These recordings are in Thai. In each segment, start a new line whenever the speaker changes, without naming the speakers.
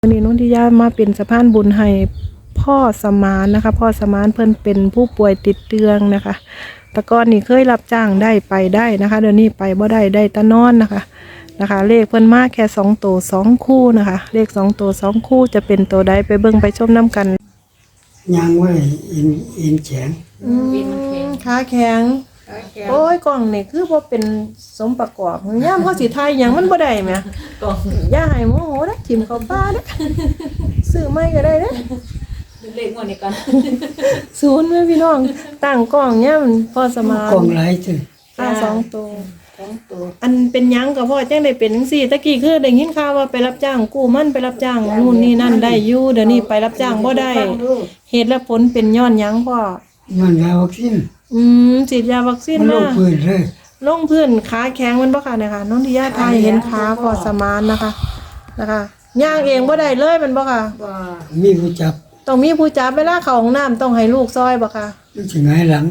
วันนี้นุ่นที่ย่ามาเป็นสะพานบุญให้พ่อสมานนะคะพ่อสมานเพิ่นเป็นผู้ป่วยติดเตียงนะคะแต่ก่อนนี่เคยรับจ้างได้ไปได้นะคะเดี๋ยวนี้ไปบ่ได้แต่นอนนะคะเลขเพิ่นมาแค่2ตัว2คู่นะคะเลข2ตัว2คู่จะเป็นตัวใดไปเบิ่งไปชมน้ำกัน
ยังไว้อินแข็ง
ขาแข็งโอ้ยกล่องนี่คือบ่เป็นสมประกอบย่ามเฮาสิทายหยังมันบ่ได้แหมกล่องย่าให้โมโหเด้อทิ่มเข้าป่าเด้อซื้อใหม่ก็ได้เด้อ
เลขงวดนี้ก่อน
ศูนย์แม่พี่น้องตั้งกล่องเนี่ยมันพอสมาน
กล่องหลายจัง
2ตัวอันเป็นหยังก็พ่อจังได้เป็นจังซี่ตะกี้คือได้ยินข่าวว่าไปรับจ้างกู้มันไปรับจ้างนู่นนี่นั่นได้อยู่เดี๋ยวนี้ไปรับจ้างบ่ได้เหตุและผลเป็นย้อนหยังพ่อ
ย้อนยาวัคซีน
ฉีดยาวัคซีน
มาลงพื้นเลย
ลงพื้นขาแข็งมันบ่ค่ะเนี่ยค่ะน้องที่ย่าทายเห็นขาพอสมานนะคะย่างเองบ่ได้เลยมันบ่ค่ะ
มีผู้จับ
ต้องมีผู้จับเวลาเข้าห้องน้ำต้องให้ลูกซอยบ่ค่ะ
มันสิหงายหลัง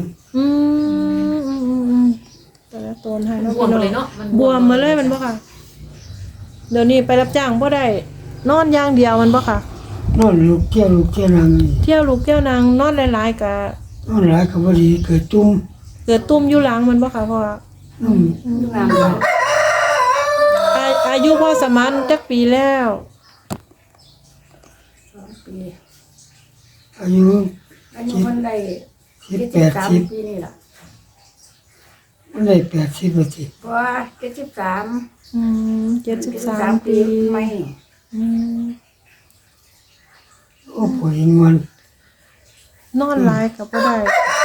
แต่ละตนให้เนาะบวมเลยเนาะบวมมาเลยมันบ่ค่ะเดี๋ยวนี้ไปรับจ้างบ่ได้นอนอย่างเดียวมันบ่ค่ะ
นอนลูกเที่ยวนาง
เที่ยวลูกเที่ยวนางนอนหลายๆก็
นอนหลายก็บ่ดีเกิดตุ่
มอยู่หลังมันบ่ค่ะพ่ออายุพ่อสมานจักปีแล้ว
2 ปีอายุ
มันได้
80ปีนี่ล่ะมันได้80บ่สิ
ว่า
73ปี
ไม่
โอ้ป่วยงอน
นอนหลายก็บ่ได้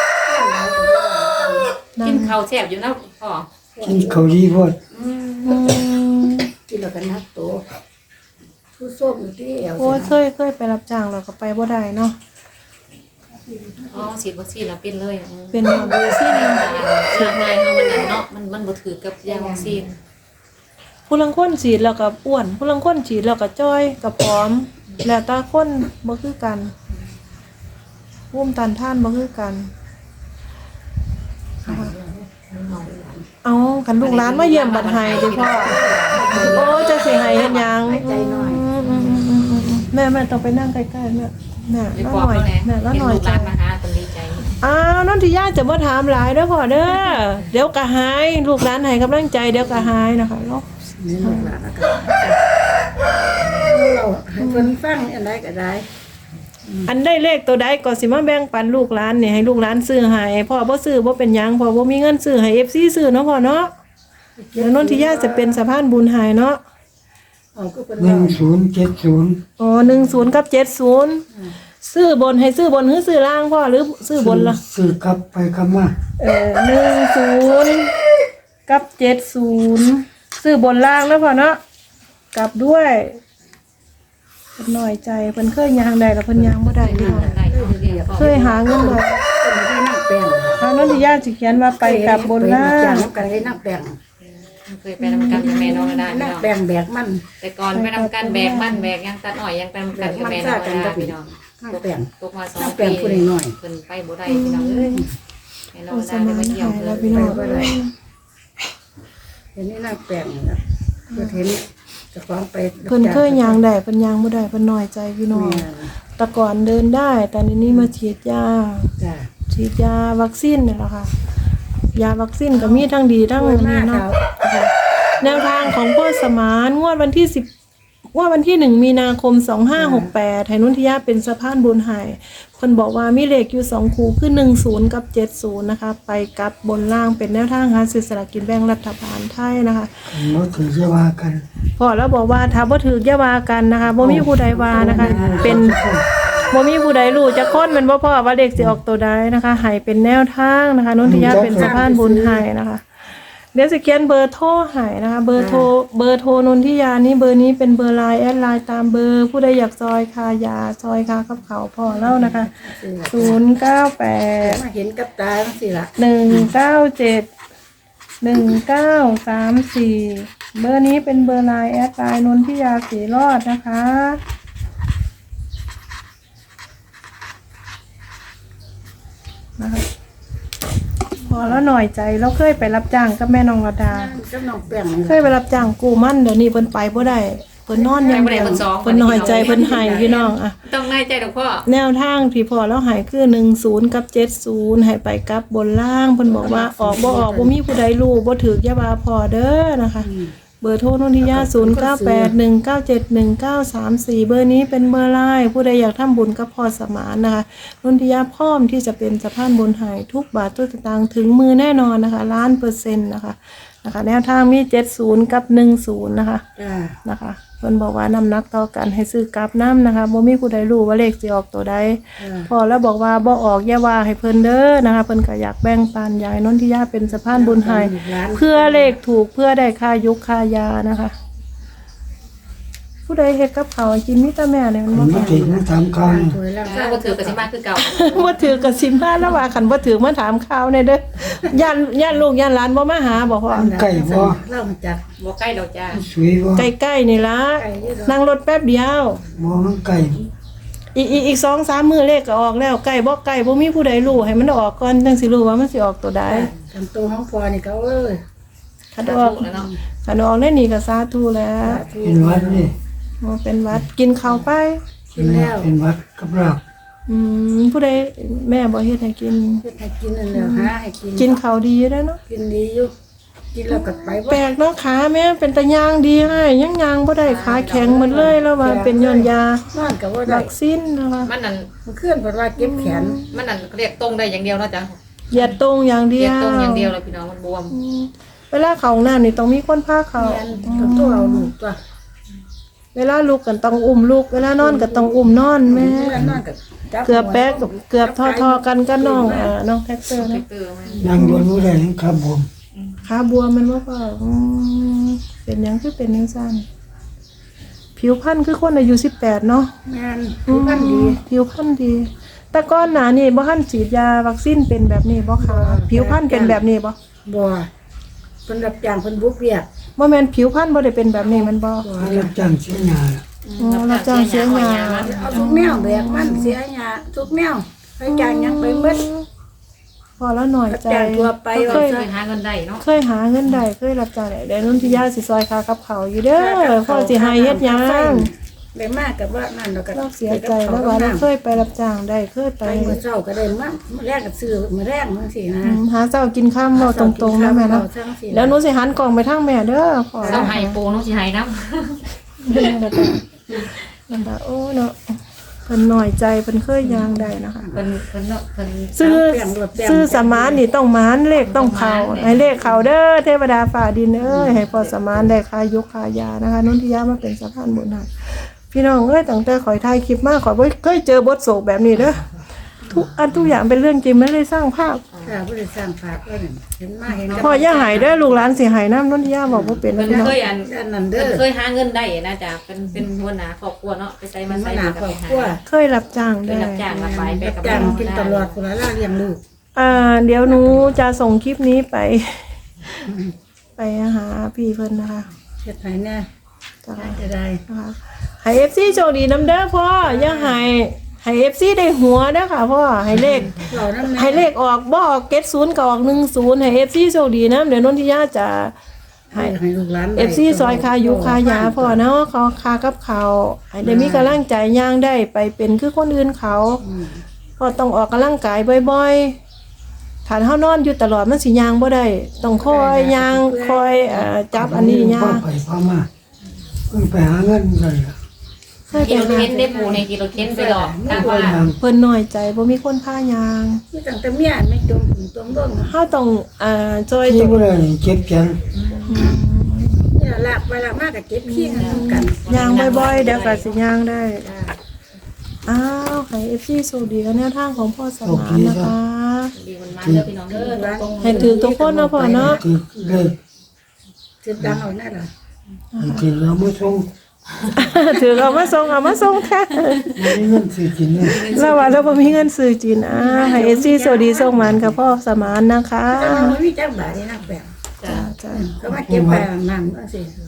กินข้าวแซ่บอยู่นะพ่อ
กินข้าวดีพอด
กินแล้วก็นักโตผู้ส้มอยู่ที่เอว
โอ้เคยไปรับจ้างแล้วก็ไปบ่ได้เนาะ
ฉีดวัคซีนแล้วเป็นเลย
เป็นวัคซีน
ฉีดง่ายเฮามันเนาะมันบ่ถือกับยาวัคซีน
ผู้ลางคนฉีดแล้วก็อ้วนผู้ลางคนฉีดแล้วก็จ้อยก็ผอมแล้วแต่คนบ่คือกันภูมิต้านทานบ่คือกันเอาคันลูกหลานมาเยี่ยมบัดให้ดิพ่อโอ้จะสิให้เฮ็ดหยังแม่ต้องไปนั่งใกล้ๆแม่แล้วหน่อยแล้วหน่อย
จ้ะมาหาคนดีใจ
น้องที่ย่าจะบ่ถามหลายเด้อพ่อเด้อเดี๋ยวก็หายลูกหลานให้กำลังใจเดี๋ยวก็หายนะคะเนาะ
นี่ลูกหลานก็เราให้เพิ่นฟังอันใดก็ได้
อันได้เลขตัวใดก็สิมาแบ่งปันลูกหลานนี่ให้ลูกหลานซื้อให้พ่อบ่ซื้อบ่เป็นหยังพ่อบ่มีเงินซื้อให้ FC ซื้อเนาะพ่อเนาะแล้วนนทิยาจะเป็นสะพานบุญให้เนาะ
1070
อ๋อ10กับ70ซื้อบนให้ซื้อบนหรือซื้อล่างพ่อหรือซื้อบนล่ะ
ซื้อกลับไปกลับมา
10กับ70ซื้อบนล่างแล้วพ่อเนาะกลับด้วยเพิ่นน้อยใจเพิ่นเคยย่างได้แล้วเพิ่นย่างบ่ได้ค่ะเคยหาเงินได้
นั่งแป้ง
นนทิยาสิเขียนว่าไปกลับบนล่าง
กันให้นั่งแป้งเคยไปนำกันกับแม่น้องได้นั่งแป้งแบกมันแต่ก่อนไปนำกันแบกมันแบกยังตัดอ้อยยังไปนำกันกับแม่น้องได้พี่น้องนั่งแป้งตกมา2 ปีผู้น้อยเพิ่นไปบ่ได้พี่น้องเอ้ยแม่น้องได้ไปเที่ยว
แล้วพี่น้อง
บ่ได้เห็นนี่นั่งแป้งนะเพิ่นเห็นจะฟ้องไป
เพิ่นเคยย่างได้เพิ่นย่างบ่ได้เพิ่นน้อยใจพี่น้องแต่ก่อนเดินได้แต่นี้มาฉีดยาฉีดยาวัคซีนนี่แหละค่ะยาวัคซีนก็มีทั้งดีทั้งนี้เนาะแนวทางของพ่อสมานงวดวันที่1มีนาคม2568ให้นุ่นทิยาเป็นสะพานบุญให้เพิ่นบอกว่ามีเลขอยู่2คู่คือ10กับ70นะคะไปกลับบนล่างเป็นแนวทางหาซื้อสลากกินแบ่งรัฐบาลไทยนะคะ
บ่ถือจะว่ากัน
พอแล้วบอกว่าถ้าบ่ถืออย่าว่ากันนะคะบ่มีผู้ใดว่านะคะเป็นบ่มีผู้ใดรู้จักคนมันบ่พอว่าเลขสิออกตัวใดนะคะให้เป็นแนวทางนะคะนุ่นทิยาเป็นสะพานบุญให้นะคะเดี๋ยวสิเขียนเบอร์โทรให้นะคะเบอร์โทรนนทิยานี่เบอร์นี้เป็นเบอร์ไลน์แอดไลน์ตามเบอร์ผู้ใดอยากซอยคายาซอยคากับเขาพอเล่านะคะ098
มาเห็นกับตาสิล่ะ
1971934เบอร์นี้เป็นเบอร์ไลน์แอดไลน์นนทิยาสีรอดนะคะพอแล้วหน่อยใจเราเคยไปรับจ้างกับแม่น้องระดาเคยไปรับจ้างกู้มันเดี๋ยวนี้เพิ่นไปบ่ได้เพิ่นนอนอย่างเดียวเพิ่นน้อยใจเพิ่นให้พี่น้องอ่ะ
ต้องน้อยใจดอกพ่อ
แนวทางที่พอแล้วหายคือ10กับ70ให้ไปกับบนล่างเพิ่นบอกว่าออกบ่มีผู้ใดรู้บ่ถูกอย่าว่าพอเด้อนะคะเบอร์โทรนนทิยา0981971934เบอร์นี้เป็นเบอร์ไลน์ผู้ใดอยากทำบุญกับพอสมานนะคะนนทิยาพร้อมที่จะเป็นสะพานบุญให้ทุกบาททุกสตางค์ถึงมือแน่นอนนะคะ1,000,000%นะคะแนวทางมี70กับ10นะคะนะคะเพิ่นบอกว่าน้ำหนักต่อกันให้ซื้อกลับน้ำนะคะบ่มีผู้ใดรู้ว่าเลขสิออกตัวใดพอแล้วบอกว่าบ่ออกอย่าว่าให้เพิ่นเด้อนะคะเพิ่นก็อยากแบ่งปันอยากให้นนทิยาเป็นสะพานบุญให้เพื่อเลขถูกเพื่อได้ค่ายุกค่ายานะคะผู้ใดเฮ็ดกับข้าวให้กินมีแต่แม่เนี่ยมัน
มัน
บ่
มาถึงมาถามข่าวนี่
ถ้าบ่ถือก็สิมาคือเก่า
บ่ถือก็สิมาแล้วว่าคันบ่ถือมาถามข่าวแน่เด้อย่านลูกย่านหลานบ่มาหาบ่พ่อ
ไก่บ่
เล่ามาจาก
บ่ใกล้ดอกจ้า
สวยบ่
ใกล้ๆนี่ล่ะนั่งรถแป๊บเดียว
บ่มันไก่
อีก 2-3 มื้อเลขก็ออกแล้วใกล้บ่มีผู้ใดรู้ให้มันออกก่อนจังสิรู้ว่ามันสิออกตัวใด
กันตัวห้องพอนี่ก็เอ้ย
คันออกได้นี่ก็สาธุแล้ว
เป็นวัดนี่
อ๋อเป็นวัดกินข้าวไป
เป็นวัดกับเรา
ผู้ใดแม่บ่เฮ็ดให้กิน
เฮ็ดให้กินนั่นแหละหาให้กิน
กินข้าวดีอยู่เด้อเนาะ
กินดีอยู่กินแล้วก็ไป
แปลกเนาะขาแม่เป็นตะย่างดีให้ยังย่างบ่ได้ขาแข็งหมดเลยแล้วว่าเป็นย้อนยาน
อนก็บ่ได้
วัคซีนนะคะ
มันนั่น
มันเคลื่อนเพราะว่าเก็บแขน
มันนั่นเรียกตรงได้อย่างเดียวเนาะจ้ะ
เหยียดตรงอย่างเดี
เรี
ย
ยว กตรงอย่างเดียวเลยพี่น้องมันบวม
เวลาเข้าห้องน้ำนี่ต้องมีคนพาเข้า
แขนกับตัวเอาลูกตัว
เวลาลุกก็ต้องอุ้มลูกเวลานอนก็ต้องอุ้มนอนแม่
เวลานอนก็จับ
เกือบแป๊กกับเกือบทอๆกันกับน้องน้องแท็กเตอร์นะ
เตือมัน
นั่งบนบ่ได้ครับผม
ขาบวมมันว่าเปล่าเป็นหยังคือเป็นยังสั้นผิวพรรณคือคนอายุ18เนาะ
งานผู้พันดี
ผิวพรรณดี แต่ก่อนหน้านี่บ่ทันฉีดยาวัคซีนเป็นแบบนี้บ่ค่ะผิวพรรณเป็นแบบนี้บ่
บ่เพิ่นรับจ้างเพิ่นบุกเวียก
บ่แม่นผิวพรรณบ่ได้เป็นแบบนี้มันบ่
รับจ้างเสียหน้า
รับจ้างเสียงาน
เอาทุกแนวแบกมันเสียหยาทุกแนวไปจ้างหยังไปหมด
พอแล้วหน่อยใจ
รับจ้างทั่วไป
เคย
เคยหาเงินได้เนาะ
เคยหาเงินได้เคยรับจ้างได้เดี๋ยวนุ่นที่ย่าสิซอยค่ากับเขาวอยู่เด้อพ่อสิให้เฮ็ดหยัง
ได้มากกับว่านั่นเราก็
เราเสียใจแล้วว่าเราเคยไปรับจ้างได้เคยไป
ไปมื้อเช้าก็ได้มามื้อแรกก็ซื้อมื้อแรกจังซี่นะ
หาเจ้ากินข้ามเราตรงๆนะแม่เนาะแล้วหนูสิหันกล่องไปทางแม่เด้อขอ
เศร้าให้ปูน้องสิให้น้
นั่นล่ะโอ้เนาะเพิ่นน้อยใจเพิ่นเคยยางได้นะคะ
ำเพิ่นเนาะเพิ่น
ซื้อสมานนี่ต้องหมานเลขต้องเข้าให้เลขเข้าเด้อเทวดาฝ่าดินเอ้ยให้พอสมานได้ค่ายกค่ายานะคะนุ่นที่ย่ามาเป็นสะพานบุญให้พี่น้องเอ้ยตั้งแต่ข่อยถ่ายคลิปมาข่อยบ่เคยเจอบทโศกแบบนี้เด้อทุกอย่างเป็นเรื่องจริงไม่ได้สร้างภาพ
ค่ะบ่ได้สร้างภาพเอิ้นเห็นมาเห็น
พ่อย่าหายเด้อลูกหลานสิหายน้ำนุ่นที่ย่าบอกว่าเป็น
เพิ่น
พี่น้อง
เคยอัน
ด้านนั้นเด้
เพิ่
อน
เคยหาเงินได้นะจ๊ะเป็นหัวหน้าครอบครัวเนาะไปใส่มา
มัน
ใส่
หนา
มา
คร
กั
อ
บบ ไป
ครัว
หา
เคยรับจ้าง
ไป
ได้
รับจ้างมาไปไปกับ
จ้าง
น้อง
กินตลอดคนละล่าเลี้ยงลูก
เดี๋ยวหนูจะส่งคลิปนี้ไป ไปหาพี่เพิ่นนะคะ
เฮ็ดให้แน่
จ้ะ
จะได้
นะคะให้ FC โชคดีน้ำเด้อพ่ออย่าให้ FC ได้หัวเด้อค่ะพ่อให้เลข
เรานำ
ให้เลขออกบ่ออก70ก็ออก10ให้ FC โชคดีนะเดี๋ยวนนทิยาจะให้
ให้ลูกหลาน
FC ซอยคายุคายาพ่อเนาะเขาคากับเขาให้ได้มีกำลังใจย่างได้ไปเป็นคือคนอื่นเขาพ่อต้องออกกำลังกายบ่อยๆถ้าเฮานอนอยู่ตลอดมันสิย่างบ่ได้ต้องคอยย่างคอยจับอันนี้ย่าง
ไปพามาเพิ่นไปหาเงินกัน
เคย
กิ
ไป
โล
หา
เค้นได้ปูในกิโลเค้นไปหรอกถ้าว่า
เพิ่นน้อยใจบ่มีคนพายาง
ที่ตั้งแต่เมียไม่จมจมเบิ่ง
เฮาต้องจอย
ที่
ต้อง
บ่ได้เก็บจัง
นี่ลากไปลากมากก็เก็บขี้กัน
ย่างบ่อยๆเดี๋ยวก็สิย่างได้อ้าวให้ FC โชคดีกับแนวทางของพ่อสมานนะคะ
ดีมันมาเด้อพี่น้องเด้อตรงๆ
ให้ถือทุกคนนะพ่อเนาะ
ที่เลย
สิดังเอาแน่ล่ะ
ที่เรามาส่ง
ถือเอามาส่งแท้
ไม่มีเงินซื้อกินเนี่ย
แล้วว่าเราบ่มีเงินซื้อจีนให้เอซี่สวัสดีส่งมันกับพ่อสมานนะคะ
แต่ว่ามันมีจักบาทนี่นักแบบ
จ้ะ
จ้า
เขามาเก็บไปนั่นจังซี่